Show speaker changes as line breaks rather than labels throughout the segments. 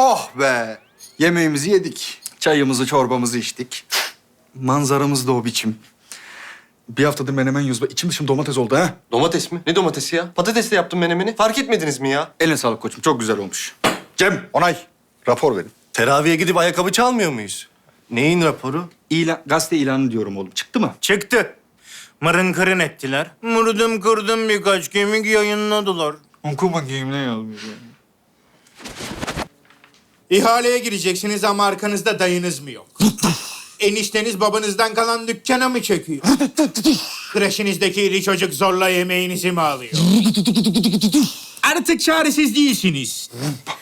Oh be! Yemeğimizi yedik. Çayımızı, çorbamızı içtik. Manzaramız da o biçim. Bir haftadır menemen yiyoruz. İçim dışım domates oldu ha.
Domates mi? Ne domatesi ya? Patatesle yaptım menemeni. Fark etmediniz mi ya?
Eline sağlık koçum. Çok güzel olmuş. Cem, onay. Rapor verin.
Teraviye gidip ayakkabı çalmıyor muyuz? Neyin raporu?
Gazete ilanı diyorum oğlum. Çıktı mı?
Çıktı. Mırın kırın ettiler. Mırdım kırdım birkaç kemik yayınladılar.
Oku bakayım ne yazmış.
İhaleye gireceksiniz ama arkanızda dayınız mı yok? Enişteniz babanızdan kalan dükkana mı çekiyor? Kreşinizdeki iri çocuk zorla yemeğinizi mi alıyor? Artık çaresiz değilsiniz.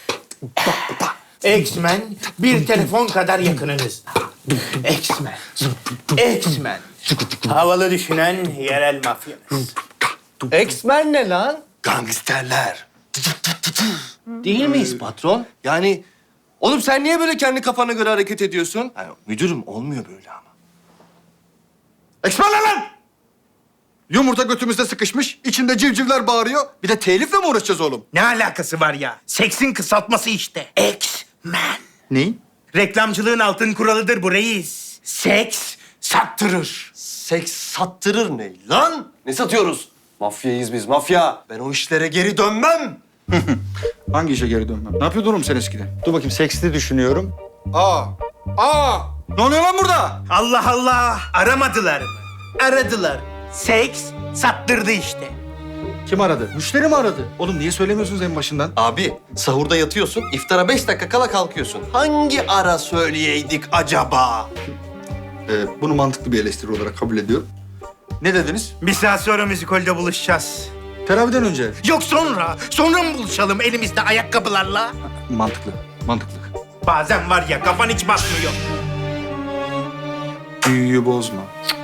X-Men bir telefon kadar yakınınızda. X-Men. X-Men. Havalı düşünen yerel mafyanız.
X-Men ne lan? Gangsterler. Değil miyiz patron? Yani oğlum sen niye böyle kendi kafana göre hareket ediyorsun? Yani, müdürüm olmuyor böyle ama.
Eksperler lan! Yumurta götümüzde sıkışmış, içinde civcivler bağırıyor. Bir de telifle mi uğraşacağız oğlum?
Ne alakası var ya? Seksin kısaltması işte. X-Men.
Neyin?
Reklamcılığın altın kuralıdır bu reis. Seks sattırır.
Seks sattırır ne lan? Ne satıyoruz? Mafyayız biz, mafya. Ben o işlere geri dönmem.
Hangi işe geri dönmem? Ne yapıyordun oğlum sen eskiden? Dur bakayım, seksli düşünüyorum. Aa! Ne oluyor lan burada?
Allah Allah. Aramadılar mı? Aradılar. Seks sattırdı işte.
Kim aradı? Müşteri mi aradı? Oğlum niye söylemiyorsunuz en başından?
Abi, sahurda yatıyorsun, iftara 5 dakika kala kalkıyorsun. Hangi ara söyleyeydik acaba?
Bunu mantıklı bir eleştiri olarak kabul ediyorum. Ne dediniz?
Bir saat sonra müzikolde buluşacağız.
Teraviden önce.
Yok sonra. Sonra mı buluşalım elimizde ayakkabılarla?
Mantıklı.
Bazen var ya kafan hiç basmıyor.
Büyüyü bozma.